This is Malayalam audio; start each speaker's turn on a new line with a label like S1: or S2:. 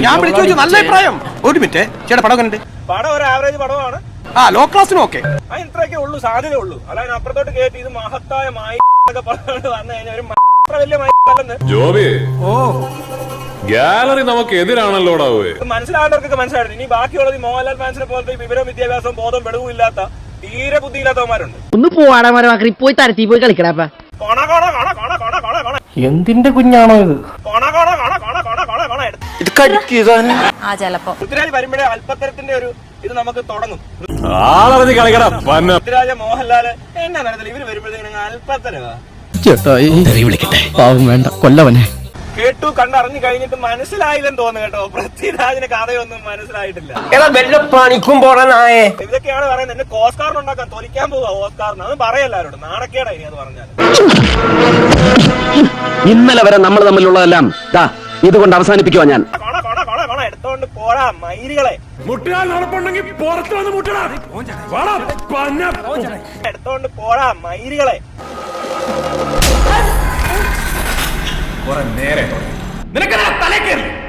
S1: ഞാൻ വിളിച്ചു ചോദിച്ചു നല്ല അഭിപ്രായം. ഒരു മിനിറ്റ് ചേട്ടാ, പടം കണ്ടിട്ട്
S2: പടം ഒരു ആവറേജ് പടമാണ്.
S1: ലോ ക്ലാസ്സിനും ഓക്കെ.
S2: ഇത്രയൊക്കെ ഉള്ളൂ, സാധ്യത ഉള്ളൂ. അല്ലാതെ അപ്പുറത്തോട്ട് കേട്ടി ഇത് മഹത്തായ മായി പറഞ്ഞുകൊണ്ട് വന്നു കഴിഞ്ഞാൽ ഒരു വലിയ മല്ലെന്ന്
S3: ജോബി. ഗാലറി നമുക്ക് എതിരാണല്ലോടാ.
S2: മനസ്സിലാകേണ്ടവർക്കൊക്കെ മനസ്സിലായിട്ട്. ഇനി ബാക്കിയുള്ളത് മോഹൻലാൽ ഫാൻസിനെ പോലത്തെ വിവരവും വിദ്യാഭ്യാസവും ബോധവും വെളിവും ഇല്ലാത്ത തീരെ ബുദ്ധിയില്ലാത്തവന്മാരുണ്ട്.
S4: ഒന്ന് പോവാടാ, പോയി തരത്തി പോയി കളിക്കടാ.
S1: എന്തിന്റെ കുഞ്ഞാണോ ഇത്?
S2: പൃഥ്വിരാജ് വരുമ്പോഴേ അല്പത്തരത്തിന്റെ ഒരു ഇത് നമുക്ക് തുടങ്ങും. പൃഥ്വിരാജ മോഹൻലാല് എന്നാ തരത്തിൽ ഇവര് വരുമ്പോഴത്തേക്ക് അല്പത്തരവാ.
S1: പാവം വേണ്ട, കൊല്ലവനെ.
S2: കേട്ടു കണ്ടറിഞ്ഞു കഴിഞ്ഞിട്ട് മനസ്സിലായില്ലെന്ന് തോന്നുന്നു കേട്ടോ. പൃഥ്വിരാജിന് കഥയൊന്നും മനസ്സിലായിട്ടില്ല. ഇതൊക്കെയാണ് പറയുന്നത്. എന്നെ ഓസ്കാറിനുണ്ടാക്കാൻ തൊലിക്കാൻ പോവാ ഓസ്കാറിന്. അത് പറയല്ലാരോട് നാണക്കേടാ ഇനി അത് പറഞ്ഞാൽ.
S5: ഇന്നലെ വരെ നമ്മൾ തമ്മിലുള്ളതെല്ലാം ഇതുകൊണ്ട് അവസാനിപ്പിക്കുവാ ഞാൻ.
S2: എടുത്തോണ്ട് പോടാ മയിലുകളെ. എടുത്തോണ്ട് പോടാ മയിലുകളെ.
S1: നേരെ നിനക്കെന്താ തലേ കയറി?